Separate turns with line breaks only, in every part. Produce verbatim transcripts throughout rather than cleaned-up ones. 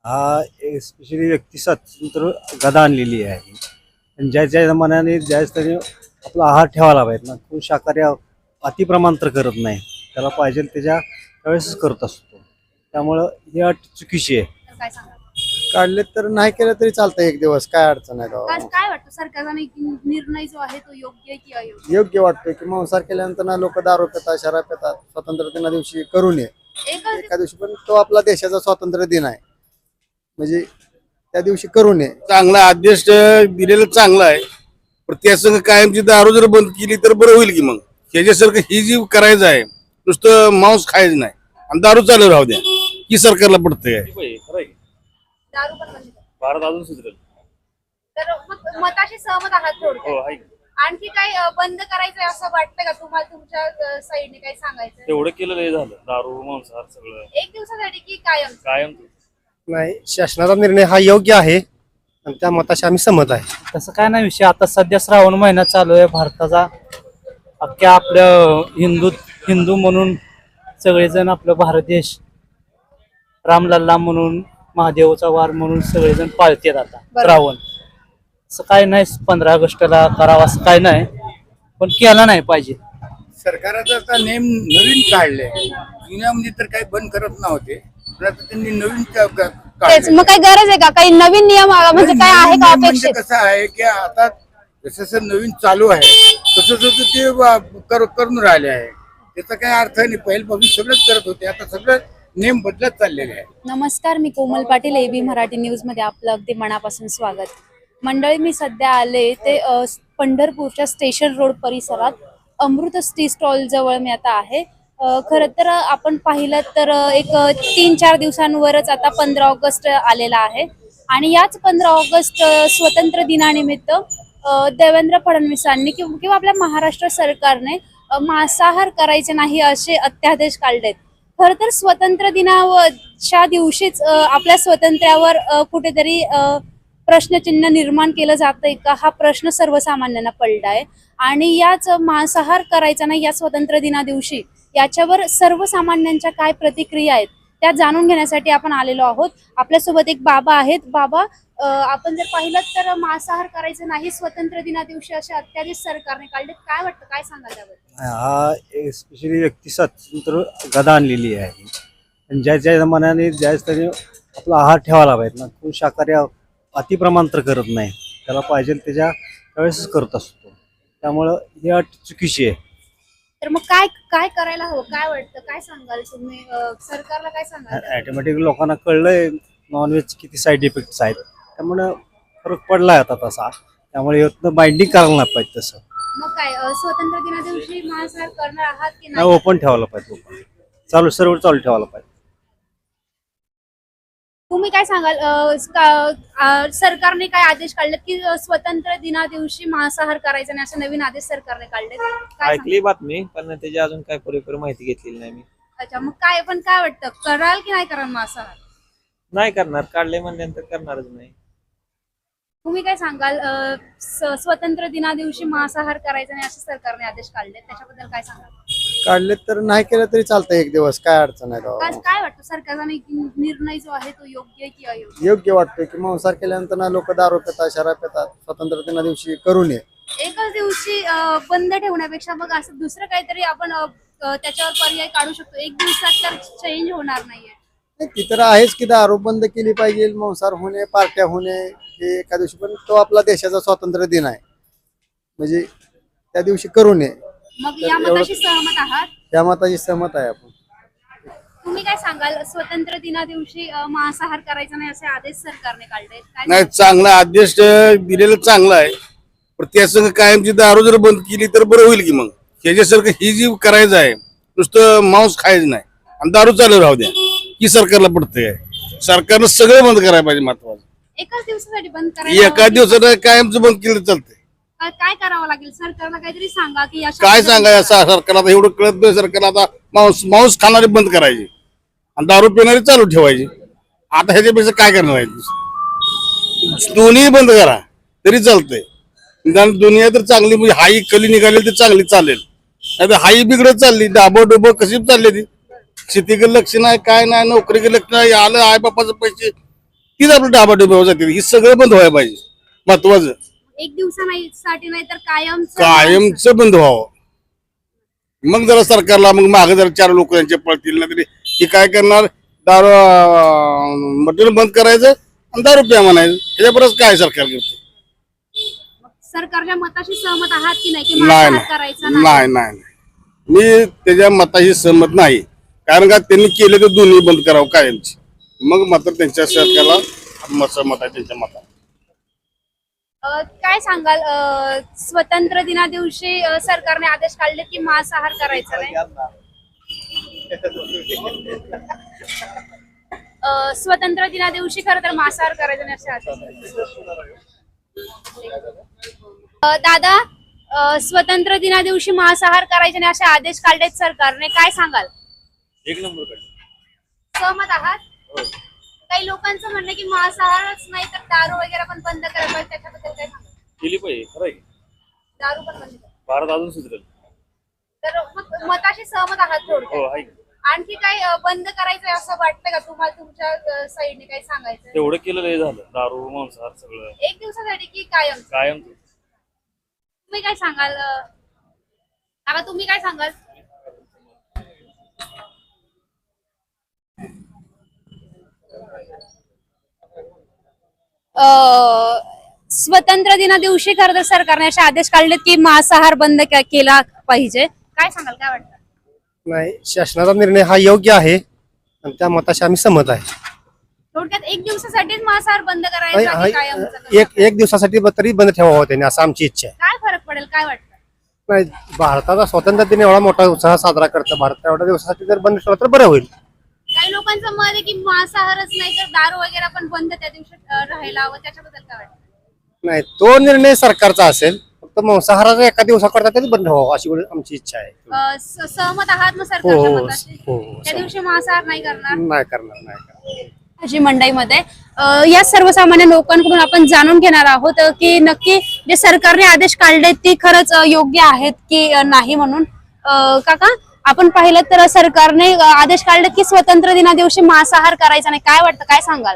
हा स्पेशली व्यक्ती स्वातंत्र्य गदा आणलेली आहे आणि ज्या ज्या मनाने ज्याच त्याने आपला आहार ठेवायला पाहिजे ना. कोण शाकाहारी अतिप्रमाण तर करत नाही, त्याला पाहिजे त्याच्या त्यावेळेसच करत असतो. त्यामुळं ही अट चुकीची आहे.
तर काय सांगा
काढले तर नाही केलं तरी चालतं एक दिवस, काय अडचण आहे
काय
गावात.
काय वाटतं सरकारचा नि- निर्णय जो आहे तो योग्य आहे की अयोग्य?
योग्य वाटतं की मांसाहार केल्यानंतर ना लोक दारू पितात, शराब पितात. स्वातंत्र्य दिना दिवशी करू नये
एकच
एका दिवशी, पण तो आपला देशाचा स्वातंत्र्य दिन आहे, म्हणजे त्या दिवशी करू नये.
चांगला आदेश दिलेलं चांगला आहे, पण त्या संग कायमची दारू जर बंद केली तर बरं होईल की. मग ह्याच्यासारखं ही जी करायचं आहे, नुसतं मांस खायचं नाही आणि दारू चालू राहू द्या, ही सरकारला पडतंय.
दारू पण बंद करा.
भारत अजून सुधरेल.
तर मग मताशी सहमत आहात
हो
थोडक्यात.
आहे.
आणखी काय अ, बंद करायचंय असं वाटतं का तुम्हाला? तुमच्या साईडने काय सांगायचं
तेवढं केलेलं हे झालं, दारू मांसाहार सगळं
एक दिवसासाठी की कायम?
कायम.
नाही, शासनाचा निर्णय हा योग्य आहे आणि त्या मताशी आम्ही सहमत आहे.
तसं काय नाही विषय. आता सध्या श्रावण महिना चालू आहे भारताचा. अख्ख्या आपल्या हिंदू हिंदू म्हणून सगळेजण आपलं भारत देश रामलल्ला म्हणून, महादेवचा वार म्हणून सगळेजण पाळतात आता श्रावण. असं काय नाही पंधरा ऑगस्टला करावं असं काय नाही, पण केला नाही पाहिजे.
सरकारचा आता नेम नवीन काढले, जुन्यामध्ये तर काही बंद करत नव्हते, पण आता त्यांनी नवीन का- का-
तेच
काढले.
मग काही गरज आहे का? काही नवीन नियम आ- म्हणजे काय आहे का
नवीन म्हणजे
अपेक्षित?
कसं आहे की आता जसं जसं नवीन चालू आहे तसं तसं ते वा- कर- करून राहिले आहे. त्याचा काही अर्थ नाही. पहिल्यापासून सगळंच करत होते, आता सगळं नेम बदलत चाललेले आहे.
नमस्कार, मी कोमल पाटील, एबी मराठी न्यूज मध्ये आपलं अगदी मनापासून स्वागत. मंडळी, मी सध्या आले ते अ, पंढरपूरच्या स्टेशन रोड परिसरात अमृत टी स्टॉल जवळ मी आता आहे. अ, खरं तर आपण पाहिलं तर अ, एक अ, तीन चार दिवसांवरच आता पंधरा ऑगस्ट आलेला आहे आणि याच पंधरा ऑगस्ट अ, स्वातंत्र्य दिनानिमित्त अ, देवेंद्र फडणवीसांनी किंवा किंवा आपल्या महाराष्ट्र सरकारने अ, मांसाहार करायचे नाही असे अध्यादेश काढलेत. खरं तर स्वातंत्र्य दिनाच्या दिवशीच अ, आपल्या स्वातंत्र्यावर अ, कुठेतरी अ, प्रश्नचिन्ह निर्माण केलं जातंय का, हा प्रश्न सर्वसामान्यांना पडलाय. आणि याच मांसाहार करायचा नाही या स्वातंत्र्य दिना दिवशी, याच्यावर सर्वसामान्यांच्या काय प्रतिक्रिया आहेत त्या जाणून घेण्यासाठी आपण आलेलो आहोत. आपल्यासोबत एक बाबा आहेत. बाबा, अ, आपण जर पाहिलं तर मांसाहार करायचं नाही स्वातंत्र्य दिना दिवशी असे अत्यादेश सरकारने काढले, काय वाटतं, काय सांगाल त्याबद्दल?
हा स्पेशली व्यक्ती स्वातंत्र्य गदा आणलेली आहे आणि ज्या ज्या मनाने ज्याच त्याने आपला आहार ठेवायला पाहिजे ना. कोण शाकाहारी अतिप्रमाण तर करत नाही, त्याला पाहिजे त्याच्या त्यावेळेसच करत असतो. त्यामुळं ही अट चुकीची आहे.
तर मग काय काय करायला हवं, काय वाटतं, काय सांगाल तुम्ही? अ, सरकारला काय सांगाल?
ॲटोमॅटिक लोकांना कळलंय नॉनव्हेज किती साईड इफेक्ट्स आहेत, त्यामुळं फरक पडलाय आता तसा. त्यामुळे यातनं बाइंडिंग करायला नाही पाहिजे तसं.
मग काय अ, स्वातंत्र्य दिना दिवशी मांसाहार करणार आहात की
नाही,
नाही?
ओपन ठेवायला पाहिजे. ओपन चालू सर्व चालू ठेवायला पाहिजे.
तुम्ही काय सांगाल? अ, का- अ, सरकारने काय आदेश काढलेत की अ, स्वातंत्र्य दिना दिवशी मांसाहार करायचा नाही असे नवीन आदेश सरकारने काढलेत? काय
ऐकली बातमी, पण त्याची अजून काय पुरेपूर माहिती घेतलेली नाही मी.
सांगाल? अच्छा, मग काय पण काय वाटतं, कराल की नाही कराल मांसाहार?
नाही करणार, काढले म्हणल्यानंतर करणारच नाही.
तुम्ही काय सांगाल? अ, स- स्वातंत्र्य दिना दिवशी मांसाहार करायचा नाही असे सरकारने आदेश काढलेत, त्याच्याबद्दल काय सांगाल?
काढले तर नाही केलं तरी चालतं एक दिवस, काय अडचण आहे
काय
गावात.
काय वाटतं सरकारचा नि- निर्णय जो आहे तो योग्य आहे की अयोग्य?
योग्य वाटतं की मांसाहार केल्यानंतर ना लोक दारू पितात, शराब पितात. स्वातंत्र्य दिना दिवशी करू नये.
एकच दिवशी अ, बंद ठेवण्यापेक्षा मग असं दुसरं काहीतरी आपण अ, अ, त्याच्यावर पर्याय काढू शकतो. एक दिवसात तर चेंज होणार नाहीये.
नाही, ती तर आहेच की दारू बंद केली पाहिजे, मांसाहार होणे, पार्ट्या होणे हे एका दिवशी, पण तो आपला देशाचा स्वातंत्र्य दिन आहे, म्हणजे त्या दिवशी करू नये.
मग
तर
या
एवढं-
मताशी सहमत आहात?
त्या मताची सहमत आहे आपण.
तुम्ही काय सांगाल? स्वातंत्र्य दिना दिवशी अ, मांसाहार करायचा नाही असे आदेश सरकारने काढले, काय
नाही,
सांगाल?
चांगला आदेश दिलेलं चांगला आहे, पण त्या संग कायमची दारू जर बंद केली तर बरं होईल की. मग ह्याच्यासारखं ही जी करायचं आहे, नुसतं मांस खायचं नाही आणि दारू चालू राहू द्या, ही सरकारला पडतंय. सरकारनं सगळं बंद करायला पाहिजे. महत्वाचं
एकाच दिवसासाठी बंद करायला
एका
हवं?
दिवसानं कायमचं बंद केलं तर चालतंय.
काय काय करावं लागेल सरकारला? काहीतरी सांगा की अशा
काय
पद्धतीने
सांगायचं सरकारला? आता एवढं कळत नाही सरकारला. आता मांस मांस खाणारे बंद करायचे आणि दारू पिणारे चालू ठेवायचे. आता ह्याच्यापेक्षा काय करणार आहे? दोन्ही बंद करा तरी चालतंय. निदान दुनिया तर चांगली, म्हणजे हाई कली निघाली तर चांगली चालेल. नाही तर हाई बिघडत चालली, डाबो डोबो कशी चालली ती. शेतीकडे लक्ष नाही, काय नाही, नोकरीकडे लक्ष नाही. आलं आई बापाचे पैसे तीच आपलं डाबाडोबी जाते. ही सगळं बंद व्हायला पाहिजे. महत्वाचं
एक दिवसासाठी नाही तर कायम
कायमच बंद व्हावं. मग जरा सरकारला मग मागे जरा चार लोक यांचे पळतील ना तरी ही काय करणार, दारू मटेरियल बंद करायचं आणि दारू प्या म्हणायचं. ह्याच्याबरोबर काय सरकार करते?
सरकारच्या मताशी सहमत आहात की नाही की
नाही
मांसाहार
नाही
करायचा
नाही नाही नाही. मी त्याच्या मताशी सहमत नाही. कारण का त्यांनी केले तर दोन्ही बंद करावं कायमची. मग मात्र त्यांच्या सरकारला मत सहमत आहे त्यांच्या मताला.
अ, काय सांगाल अ, स्वतंत्र दिना दिवशी अ, सरकारने आदेश काढले की मांसाहार करायचा नाही. अ, स्वतंत्र दिना दिवशी खरं तर मांसाहार करायचा नाही असे आदेश. अ, दादा अ, स्वतंत्र दिना दिवशी मांसाहार करायचे नाही असे आदेश काढलेत सरकारने, काय सांगाल?
एक नंबर कडे
सहमत आहात? काही लोकांचं म्हणणं आहे की मांसाहारच नाही तर दारू वगैरे पण बंद करायला पाहिजे, त्याच्याबद्दल काय सांगाल?
केली पाहिजे. खरं आहे.
दारू पण बंद करा.
भारत अजून सुधरेल.
तर मग मताशी सहमत आहात
हो
थोडक्यात.
आहे.
आणखी काय अ, बंद करायचंय असं वाटतं का तुम्हाला? तुमच्या साईडने काय सांगायचं?
तेवढं केलं लय झालं. दारू मांसाहार सगळं
एक दिवसासाठी की कायम?
कायम.
तुम्ही काय सांगाल अ, काका तुम्ही काय सांगाल? अ, स्वतंत्र दिना दिवशी खरं तर सरकारने असे आदेश काढलेत की मांसाहार बंद के- केला पाहिजे, काय सांगाल? काय वाटतं?
नाही, शासनाचा निर्णय हा योग्य आहे आणि त्या मताशी आम्ही सहमत आहे.
थोडक्यात एक दिवसासाठीच मांसाहार बंद
नाही,
करायचा की
हा-
कायमचं?
एक एक दिवसासाठी तरी बंद ठेवावं त्यांनी, असं आमची इच्छा आहे.
काय फरक पडेल, काय वाटतं?
नाही, भारताचा स्वातंत्र्य दिन एवढा मोठा उत्साह साजरा करतं भारत, एवढ्या दिवसासाठी जर बंद ठेवला तर बरं होईल.
काही लोकांचं मत आहे की मांसाहारच नाही तर दारू वगैरे पण बंद त्या दिवशी अ, राहायला हवं, त्याच्याबद्दल काय वाटतं?
नाही, तो निर्णय सरकारचा असेल. फक्त मांसाहाराचा एका दिवसाकरता तरी बंद व्हावं अशी आमची इच्छा आहे.
अ, स- सहमत आहात मग
हो
सरकारच्या
हो
मताशी?
हो हो,
त्या दिवशी मांसाहार नाही करणार
नाही करणार नाही करणार.
जी मंडईमध्ये अ, या सर्वसामान्य लोकांकडून आपण जाणून घेणार आहोत अ, की नक्की जे सरकारने आदेश काढले ते खरंच अ, योग्य आहेत की अ, नाही म्हणून. अ, काका आपण पाहिलं तर सरकारने अ, आदेश काढले की स्वतंत्र दिना दिवशी मांसाहार करायचा नाही, काय वाटतं, काय सांगाल?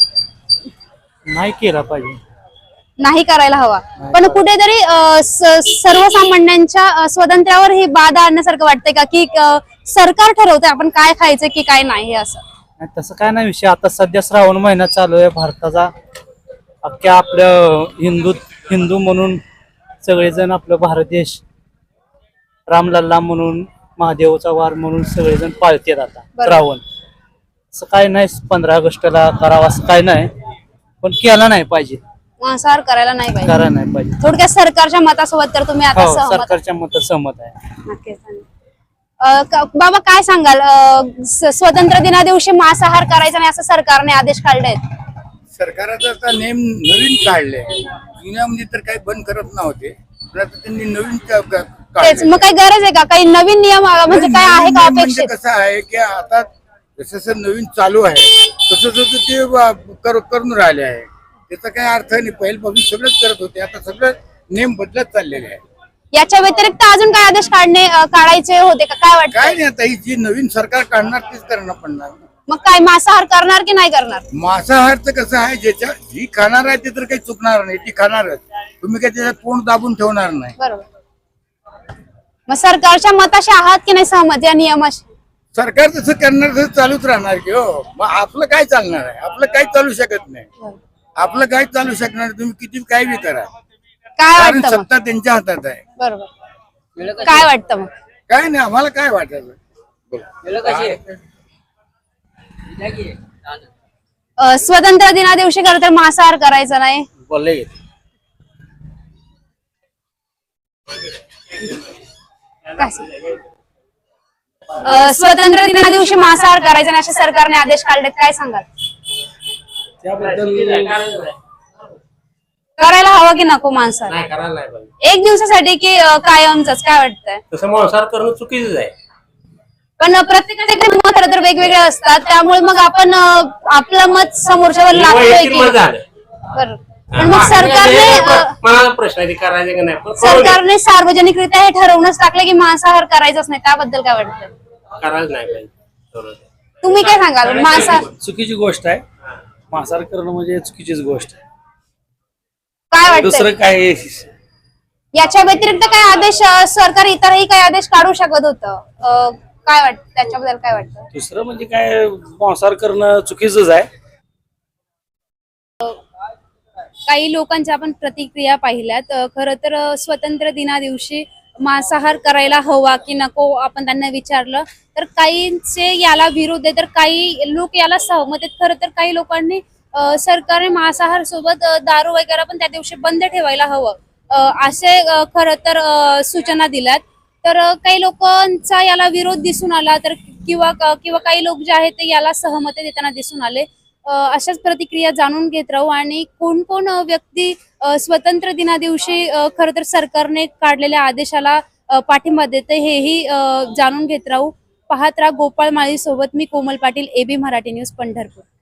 नाही केला पाहिजे.
नाही करायला हवा, पण कुठेतरी अ, स- सर्वसामान्यांच्या अ, स्वातंत्र्यावर ही बाधा आणण्यासारखं वाटतंय का की अ, सरकार ठरवतंय आपण काय खायचं की काय नाही असं?
नाही, तसं काय नाही विषय. आता सध्या श्रावण महिना चालू आहे भारताचा. अख्ख्या आपलं हिंदू हिंदू म्हणून सगळेजण आपलं भारत देश रामलल्ला म्हणून महादेवचा वार म्हणून सगळेजण पाळतात आता
बरोबर.
श्रावण. असं काय नाही पंधरा ऑगस्टला करावं असं काय नाही, पण केला नाही पाहिजे,
मांसाहार करायला नाही पाहिजे.
करा नाही पाहिजे.
थोडक्यात सरकारच्या मतासोबत तर तुम्ही आता
हो,
सहमत आहात.
सरकारच्या मत सहमत आहे.
नक्कीच. अ, क- बाबा काय सांगाल अ, स- स्वतंत्र दिना दिवशी मांसाहार करायचा नाही असं सरकारने आदेश काढले आहेत.
सरकाराचा आता नेम नवीन काढले. जुन्यामध्ये तर काही बंद करत नव्हते, पण आता त्यांनी नवीन क- क-
तेच
काढले.
मग काही गरज आहे का? काही नवीन नियम अ, म्हणजे काय आहे का
नवीन म्हणजे
अपेक्षित?
कसं आहे की आता जसं जसं नवीन चालू आहे तसं तसं ते वा- कर- करून राहिले आहे. त्याचा काही अर्थ नाही. पहिल्यापासून सगळंच करत होते, आता सगळं नेम बदलत चाललेले आहे.
याच्या व्यतिरिक्त अजून काय आदेश काढणे अ, काढायचे होते का? काय वाटतं?
काय नाही, आता ही जी नवीन सरकार काढणार तीच करणं पडणार.
मग काय मांसाहार करणार की नाही करणार?
मांसाहारचं कसं आहे, ज्याच्या जी खाणार आहे ते तर काही चुकणार नाही, ती खाणारच. तुम्ही काही त्याच्यात तोंड दाबून ठेवणार नाही.
बरोबर. मग सरकारच्या मताशी आहात की नाही सहमत या नियमाशी?
सरकार जसं करणार तसं चालूच राहणार की हो. मग आपलं काय चालणार आहे? आपलं काही चालू शकत नाही. आपलं काय चालू शकणार? तुम्ही किती काय बी करा,
काय
कारण
वाटतं मग?
सत्ता त्यांच्या हातात आहे.
बरोबर. काय वाटतं मग?
काय नाही, आम्हाला काय वाटायचं.
अ, स्वतंत्र दिना दिवशी खरं तर मांसाहार करायचा नाही.
बोलले
काय सांग- अ, स्वतंत्र दिना दिवशी मांसाहार करायचा नाही असे सरकारने आदेश काढलेत, काय सांगाल? करायला हवं की नको मांसाहार? एक दिवसासाठी की अ, कायमच, काय वाटतंय?
तसं मांसाहार करणं चुकीचंच आहे.
पण प्रत्येकाचे मत खरं तर वेगवेगळे असतात, त्यामुळे मग आपण अ, आपलं मत समोरच्यावर लागतोय
वैयक्तिक
की
मत झालं.
बरं. पण मग सरकारने अ,
मला प्रश्न आहे ते करायचे का नाही, पण करू दे.
सरकारने सार्वजनिकरित्या हे ठरवूनच टाकलं की मांसाहार करायचाच नाही, त्याबद्दल काय वाटतं?
करायला नाही पाहिजे. करू दे.
तुम्ही काय सांगाल? मांसाहार
चुकीची गोष्ट आहे.
मांसाहार करणं म्हणजे चुकीचीच गोष्ट आहे.
काय वाटतं
दुसरं काय
याच्या व्यतिरिक्त काय आदेश अं, सरकार इतरही काही आदेश काढू शकत होतं अं, काय वाटतं त्याच्याबद्दल काय वाटतं?
दुसरं म्हणजे काय मांसाहार करणं चुकीचंच आहे.
काही लोकांच्या आपण प्रतिक्रिया पाहिल्यात. अ, खरं तर अ, स्वातंत्र्य दिना दिवशी मांसाहार करायला हवा की नको आपण त्यांना विचारलं तर काहींचे याला विरोध आहे तर काही लोक याला सहमत आहेत. खरं तर काही लोकांनी अ, सरकारने मांसाहार सोबत अ, दारू वगैरे पण त्या दिवशी बंद ठेवायला हवं अ, असे अ, खरं तर अ, सूचना दिल्यात. तर अ, काही लोकांचा याला विरोध दिसून आला तर किंवा किंवा काही लोक जे आहेत ते याला सहमती देताना दिसून आले. अ, अशाच प्रतिक्रिया जाणून घेत राहू आणि कोण कोण अ, व्यक्ती अ, स्वातंत्र्य दिना दिवशी अ, खरं तर सरकारने काढलेल्या आदेशाला अ, पाठिंबा देते हेही अ, जाणून घेत राहू. पाहत राहा गोपाळ माळी सोबत मी कोमल पाटील, एबी मराठी न्यूज पंढरपूर.